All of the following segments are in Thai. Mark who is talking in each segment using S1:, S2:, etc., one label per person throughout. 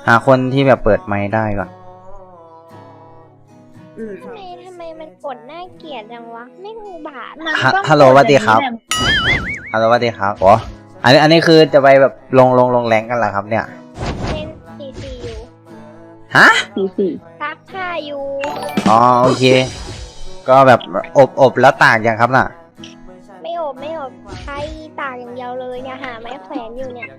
S1: หาคนที่แบบเปิดไมค์ได้ก่อน
S2: ทำไมมันกดน่าเกลียดจังวะไม่อุบาท
S1: ฮัลโหลสวัสดีครับฮัลโหลสวัสดีครับโอ้อันนี้คือจะไปแบบลงแรงกันเหรอครับเนี่ย
S2: เล่นซีอยู่
S1: ฮะ
S2: ซักผ้าอยู่
S1: อ๋อโอเค ก็แบบอบแล้วตากยังครับน่ะ
S2: ไม่อบใช้ตากอย่างเดียวเลยเนี่ยหาไม้แขวนอยู่เนี่ย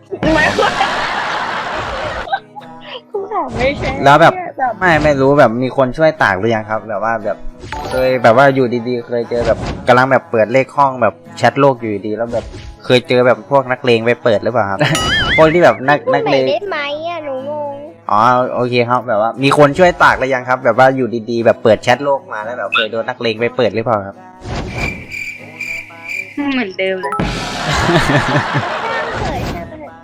S3: คุณถามไม่ใช่
S1: แล้วแบบไม่รู้แบบมีคนช่วยตากหรือยังครับ แบบว่าแบบเคยแบบว่าอยู่ดีๆเคยเจอแบบกำลังแบบเปิดเลขห้องแบบแชทโลกอยู่ดีแล้วแบบเคยเจอแบบพวกนักเลงไปเปิดหรือเปล่าครับ คนที่แบบนัก
S2: พูดให
S1: เล
S2: ม่
S1: ง
S2: ได้ไหมอ่ะหนูงง
S1: อ๋อโอเคครับแบบว่ามีคนช่วยตากหรือยังครับ แบบว่าอยู่ดีๆแบบเปิดแชทโลกมาแล้วแบบเคยโดนนักเลงไปเปิดหรือเปล่าครับ
S3: เหมือนเดิมเลย
S2: ช่างเถอะ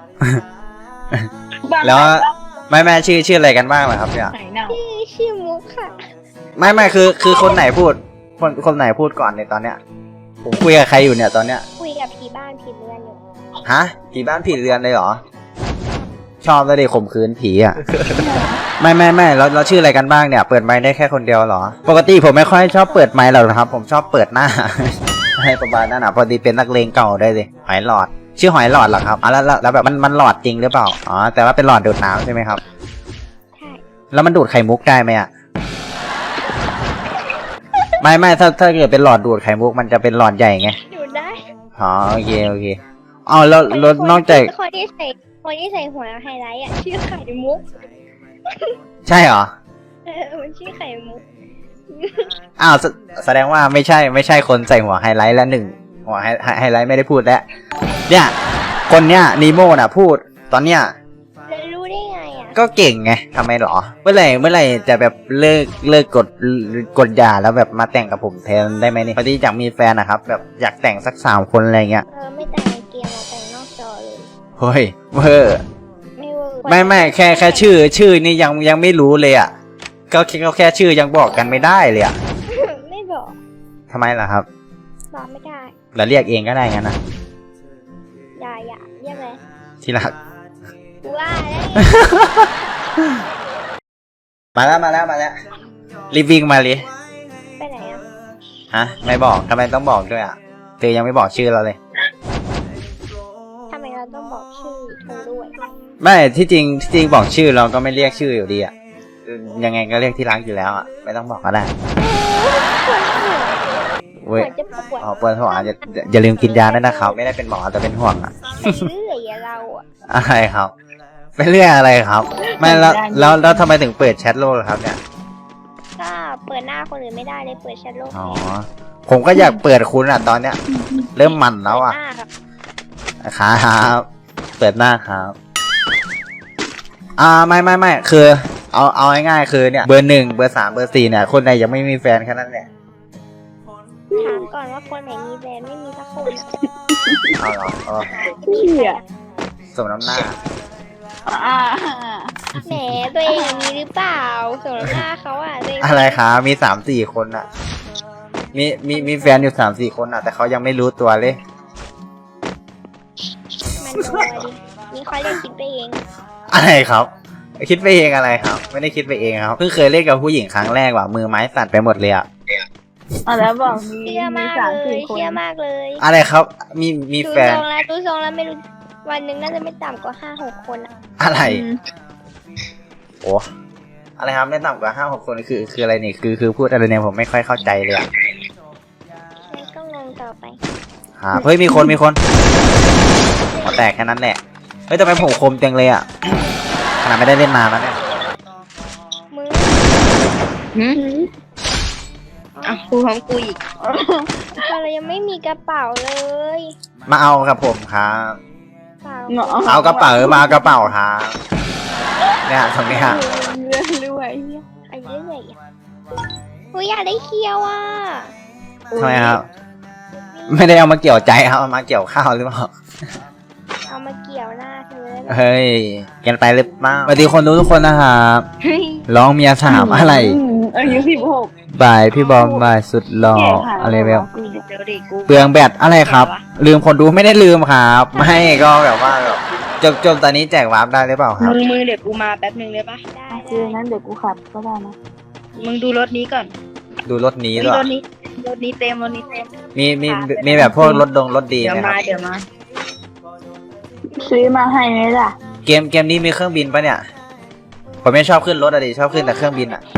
S1: แล้วไม่ชื่ออะไรกันบ้างเหรอครับเนี่ย
S3: ไหนเน่า
S2: ชื่อมุกค่ะ
S1: ไม่คือคนไหนพูดคนไหนพูดก่อนในตอนเนี้ยผมคุยกับใครอยู่เนี่ยตอนเนี้ย
S2: คุยกับผีบ้านผีเรือนอยู่
S1: ฮะผีบ้านผีเรือนเลยเหรอชอบเลยดิข่มขืนผีอ่ะ ไม่เราชื่ออะไรกันบ้างเนี่ยเปิดไมค์ได้แค่คนเดียวเหรอปกติผมไม่ค่อยชอบเปิดไมค์หรอกนะครับผมชอบเปิดหน้า ให้ประมาณนั้นอ่ะพอดีเป็นนักเลงเก่าได้สิหอยหลอดชื่อหอยหลอดเหรอครับอ๋อแล้วแบบมันหลอดจริงหรือเปล่าอ๋อแต่ว่าเป็นหลอดดูดน้ำใช่ไหมครับ
S2: ใช่
S1: แล้วมันดูดไข่มุกได้ไหมอ่ะ ไม่ถ้าเกิดเป็นหลอดดูดไข่มุกมันจะเป็นหลอดใหญ่ไง
S2: อยู่ได้
S1: อ๋อโอเคอ๋อแล้วนอกจาก
S2: คนที่ใส่หัวไฮไลท์อ่ะชื่อไข่มุก
S1: ใช่เหรอ
S2: มันชื่อไข่มุก
S1: อ้าวแสดงว่าไม่ใช่คนใส่หัวไฮไลท์แล้วหนึ่งหัวไฮไลท์ไม่ได้พูดแล้วเนี่ยคนเนี้ยนีโม่น่ะพูดตอนเนี้ย
S2: แล้วรู้ได้ไงอ่ะ
S1: ก็เก่งไงทำไมหรอเมื่อไหร่จะแบบเลิกกดหย่าแล้วแบบมาแต่งกับผมแทนได้ไหมนี่พอดีอยากมีแฟนนะครับแบบอยากแต่งสัก3 คนอะไรเงี้ย
S2: ไม่แต่งในเกมอะแต่งนอกจอเลย
S1: เฮ้ยเวอร์
S2: ไม่เวอร์
S1: ไม่แค่ชื่อนี่ยังไม่รู้เลยอ่ะก็แค่ชื่อยังบอกกันไม่ได้เลยอ่ะ
S2: ไม่บอก
S1: ทำไมล่ะครับ
S2: บอกไม่ได้
S1: เราเรียกเองก็ได้งั้นนะ
S2: อย่าเรียกเลย
S1: ที่รัก
S2: ว่าแล้ว
S1: มาแล้วรีบวิ่งมาเลย
S2: ไปไหนอ่ะ
S1: ฮะไม่บอกทำไมต้องบอกด้วยอ่ะเธอยังไม่บอกชื่อเราเลย
S2: ทำไมเราต้องบอกชื่อเธอด้วย
S1: ไม่ที่จริงบอกชื่อเราก็ไม่เรียกชื่ออยู่ดีอ่ะยังไงก็เรียกที่รักอยู่แล้วอ่ะไม่ต้องบอกก็ได้
S2: ปว
S1: เว้ย
S2: ดจะปวด
S1: อ๋อปวดหัวอย่าลืมกินยาด้วยนะครับไม่ได้เป็นหมอแต่เป็นห่วงอ่ะ
S2: ไปเรื่อยอะเราอ่ะ
S1: อะไรครับเป็นเรื่องอะไรครับ ไม่แล้วทำไมถึงเปิดแชทโลกล่ะครับเนี่ย
S2: ก็เปิดหน้าคนอื่นไม่ได้เลยเปิดแชทโลก
S1: อ๋อผมก็อยากเปิดคุณอ่ะตอนเนี้ย เริ่มมันแล้วอ่ะ
S2: หน้าครับ
S1: ครับเปิดหน้าครับไม่คือเอาง่ายๆคือเนี่ยเบอร์ 1 เบอร์ 3 เบอร์ 4เนี่ยคนไหนยังไม่มีแฟนแค่นั้นแหละ
S2: ถามก่อนว่าคนไหนมีแฟนไม่มีสักคนอะ
S1: เอาเหรออ๋อ
S3: พี่อ่ะ
S1: สมน้ำหน้า
S2: แหมตัวเองอะมีหรือเปล่าสมน้ำหน้าเขาอ่ะตัวเอง
S1: อะไรครับมี3-4 คนอ่ะมีแฟนอยู่3-4 คนอ่ะแต่เขายังไม่รู้ตัวเลย
S2: มันโดนดินี่เขาเรียกคิดไปเอง
S1: อะไรครับ คิดไปเองอะไรครับ ไม่ได้คิดไปเองครับเพิ่งเคยเล่นกับผู้หญิงครั้งแรกว่ะมือไม้สั่นไปหมดเลยอ่ะ
S3: แล้วบอกมี
S2: เชื่อมาก
S3: สาม
S2: เล
S3: สี่
S2: ย
S3: คน
S2: เชื่อมากเลย
S1: อะไรครับมี
S2: ดู
S1: แฟ
S2: ท
S1: น
S2: รงแล้วไม่รู้วันหนึ่งน่าจะไม่ต่ำกว่า5-6 คนอ่ะ
S1: อะไร โอ้อะไรครับไม่ต่ำกว่า5-6 คนคืออะไรนี่คือพูดอะไรเนี่ยผมไม่ค่อยเข้าใจเลยอ่ะ
S2: งั้นก็งงต่อไป
S1: เฮ้ยมีคนหัวแตกแค่นั้นแหละเฮ้ยทำไมผมคมจังเลยอ่ะขนาดไม่ได้เล่นนานแล้วเนี่ย
S2: มึง
S3: อ่ะกูของกูอีก
S2: เรายังไม่มีกระเป๋าเลย
S1: มาเอากับผมครับ
S2: เปล่า
S1: เอากระเป๋ามาเอากระเป๋าครับเนี่ยตรงเนี้ย
S3: เรื่อย
S2: อันนี้เรื่อยๆอ่ะกูอยากได้เคียวอ่ะ
S1: ทำไมครับ ไม่ได้เอามาเกี่ยวใจครับเอามาเกี่ยวข้าวหรือเปล่า
S2: เอามาเกี่ยวหน้าเธอแล้ว
S1: เฮ้ยกันไปหรือเปล่าสวัสดีคนดูทุกคนนะครับ
S3: เฮ้ย
S1: ร้องเมีย3อะไร
S3: อายุ16
S1: บายพี่บอมบายสุดหล่ออะไรแบบ
S3: กูเดี๋ยวดิกู
S1: เปลืองแบตอะไรครับ ลืมคนดูไม่ได้ลืมครับ ไม่ก็แบบว่าแบบจบตอนนี้แจกวาร์ปได้หรือเปล่าครับ
S3: มึงเดี๋ยวกูมาแป๊บนึงเลยปะ
S2: ได้
S3: คือนั้นเดี๋ยวกูขับก็ได้นะมึงดูรถนี้ก่อน
S1: ดูรถนี้
S3: นี่
S1: ด้วย
S3: รถนี้เต็มรถนี้เต็ม
S1: มีแบบพวกรถดี
S3: เดี๋ยว
S1: ไหมค
S3: มา
S1: รับ
S3: เดี๋ยวมาซื้อมาให้ไหมล่ะ
S1: เกมนี้มีเครื่องบินปะเนี่ยผมไม่ชอบขึ้นรถอะดิชอบขึ้นแต่เครื่องบินอะ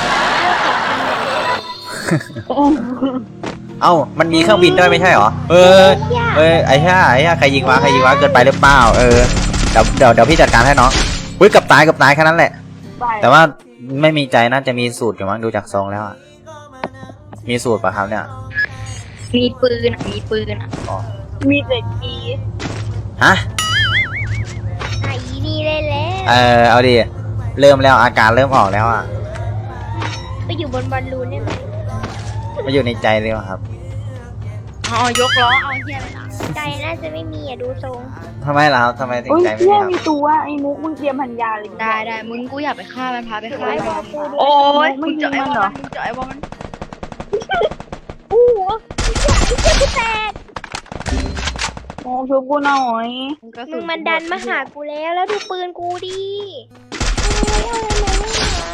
S1: เอ้ามันมีเครื่องบินด้วยไม่ใช่เหรอไอ้ห่าใครยิงวะเกินไปหรือเปล่าเดี๋ยวพี่จัดการให้น้องอุ้ยกับตายแค่นั้นแหละ แต่ว่าไม่มีใจน่าจะมีสูตรอยู่มั้งดูจากทรงแล้วอะมีสูตรป่ะครับเนี่ย
S3: มีปืน
S1: อ๋อ
S3: อ่ะมีแต่กี
S1: ฮะ
S2: ไอ้นี่เลยแหละ
S1: เอาดิเริ่มแล้วอาการเริ่มออกแล้วอะ
S2: ไปอยู่บนบอลลูนได้ไหม
S1: มาอยู่ในใจเลยว่ะครับ
S3: อ๋อยกล้อเอาเฮียเลยนะ
S2: ใจน่าจะไม่มีอ่ะดูทรง
S1: ทำไมล่ะครับทำไมถึง
S3: อุ้ย
S1: ใจไม่
S3: เฮี
S1: มี
S3: ย
S1: ครับ
S3: มีตัวไอ้มุกมึงเตรียมพันยาเลยได้มึงกูอยากไปฆ่ามันพาไปฆ่า
S2: ไอ้บอ
S3: มั
S2: ล
S3: น
S2: กูดู
S3: โอ้ยมึงเจาะไอ้บอลมึงเจาะไอ้บอลมัน
S2: โอ้โหไอ้เจ้ากูแตก
S3: โอ้ชุบกูหน่อย
S2: มึงมันดันมาหากูแล้วดูปืนกูดิเฮ้ยเอาอะไรมาไม่หา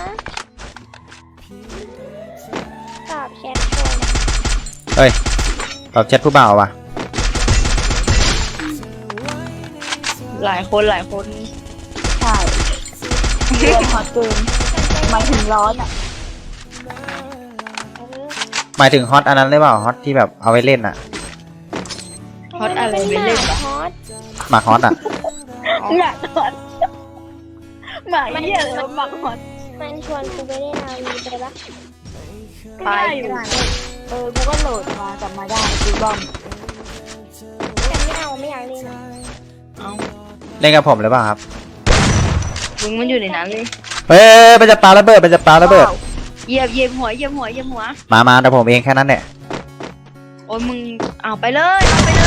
S2: ตอบแชทคน
S1: เฮ้ยตอบแชทผู้บ่าวว่ะ
S3: หลายคนใช่เดือนฮอตเกินหมายถึงร้อนอ่ะ
S1: หมายถึงฮอตอันนั้นหรือเปล่าฮอตที่แบบเอาไว้เล่นอะ
S3: ฮอตอะไรไปเล่น
S2: ฮอต
S1: หมากฮอตอะ
S3: หมาฮอตหมาเหี้ยเลยหมาฮอต
S2: มันชวนกูไปเล่นอาวีไปปะ
S3: ไปกูก็โหลดมากลับมาได้กูบ้อง
S2: แต่ไม่เอาไม่อยากเล่น
S3: เอา
S1: เล่นกับผมหรือเปล่าครับ
S3: มึงมันอยู่ในนั้นเลย
S1: เฮ้ยมันจะปาระเบิด
S3: เหยียบหัว
S1: มาแต่ผมเองแค่นั้นแหละ
S3: โอ้ยมึงเอาไปเลย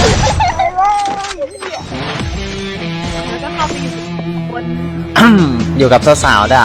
S3: แล้วก็เข้าไปอยู่บน
S1: อยู่กับสาวๆด่ะ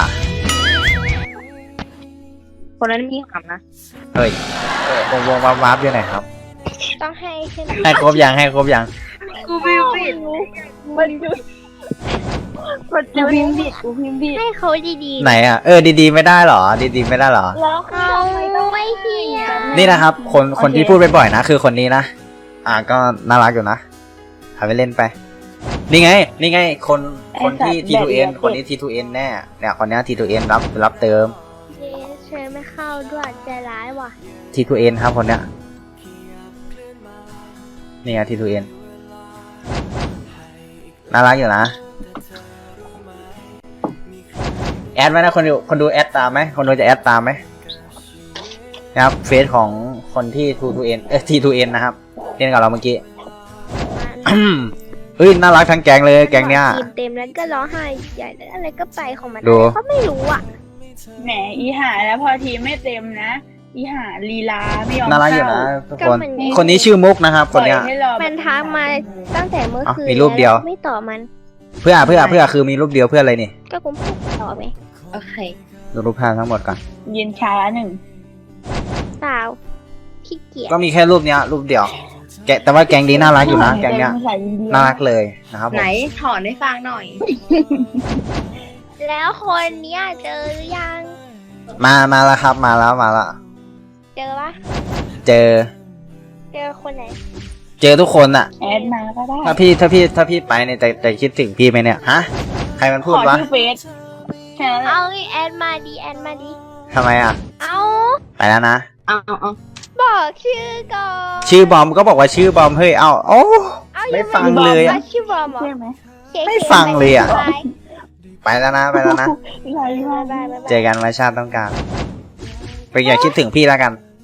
S3: คนนั้นมีขำนะ
S1: เฮ้ยวงวาร์ปอยู่ไหนครับ
S2: ต้องให้ขึ้น
S1: ให้ครบยัง
S3: กูพิมพ์ผิดมันดูกูพิมพ์ผิด
S2: ให้เขาดีๆ
S1: ไหนอะดีๆไม่ได้หรอดีๆไม่ได้หรอ
S2: แล้วเขาไม่เฮีย
S1: นี่นะครับคนที่พูดบ่อยๆนะคือคนนี้นะก็น่ารักอยู่นะหาไปเล่นไปนี่ไงคนที่ T2N คนนี้ T2N แน่เนี่ยคนนี้ T2N รับเติม
S2: เจ๊เชิญไม่เข้าด้วยใจร้ายว่ะ
S1: T2N ครับคนเนี้ยนี่ไง T2N น่ารักอยู่นะแอดไหมนะคนดูแอดตามไหมคนดูจะแอดตามไหมนะครับเฟซของคนที่ T2N T2N นะครับเล่นกับเราเมื่อกี้ เฮ้ยน่ารักทั้งแก๊งเลยแก๊งเนี้ย
S2: ทีมเต็มแล้วก็ร้องไห้ใหญ่แล้วอะไรก็ไปของมัน
S1: ดู
S2: เขาไม่รู้อ่ะ
S3: แหมอีหาแล้วพอทีไม่เต็มนะอีหาลีลาไม่ยอม
S1: น่ารักอยู่นะ
S3: เข้า
S1: ทุกคนคนนี้ชื่อมุกนะครับคนเนี้ย
S3: ปล่อยให้รอ
S2: มันทักมาตั้งแต่เมื่อคืน
S1: มีรูปเดียว
S2: ไม่ตอบมัน
S1: เพื่อคือมีรูปเดียวเพื่ออะไรนี่
S2: ก็กูพูดต่อไหม
S3: โอเค
S1: ดูรูปภาพทั้งหมดก่อน
S3: เย็นช้าหนึ่ง
S2: เปล่าขี้เกียจ
S1: ก็มีแค่รูปเนี้ยรูปเดียวแต่ว่าแก๊งนี้น่ารักอยู่นะแก๊งเนี้ย
S3: ภาษาอินเดีย
S1: น่ารักเลยนะครับผม
S3: ไหนถอนให้ฟังหน่อย
S2: แล้วคนเนี้ยเจอหรือยัง
S1: มาแล้วครับมาแล้ว
S2: เจอปะ
S1: เจอ
S2: เจอคนไหน
S1: เจอทุกคนอะ
S3: แอดมาก็ได้
S1: ถ้าพี่ไปเนี่ยจะคิดถึงพี่ไหมเนี่ยฮะใครมันพูด
S3: ขอ
S1: วะ
S3: ชื่อเฟซแค่นั้นแหละ
S2: เอาแอดมาดี
S1: ทำไมอะ
S2: เอา
S1: ไปแล้วนะ
S3: เอา
S2: บอกชื่อก่อน
S1: ชื่อบอมก็บอกว่าชื่อบอมเฮ้ยโอ้
S2: เอา
S1: ไม่
S2: ยัง
S1: ฟังเลยอะ
S2: ว่าชื่อบอมเหรอ
S3: ใช่ไหม
S1: ไม่ฟังเลยอะ
S2: บ๊ายบาย
S1: ไปแล้วนะ
S3: ไร
S2: บ๊าย
S3: มา
S2: บายบ๊ายบาย
S1: เจอกันวันชาติต้องการไปอย่าคิดถึงพี่แล้วกัน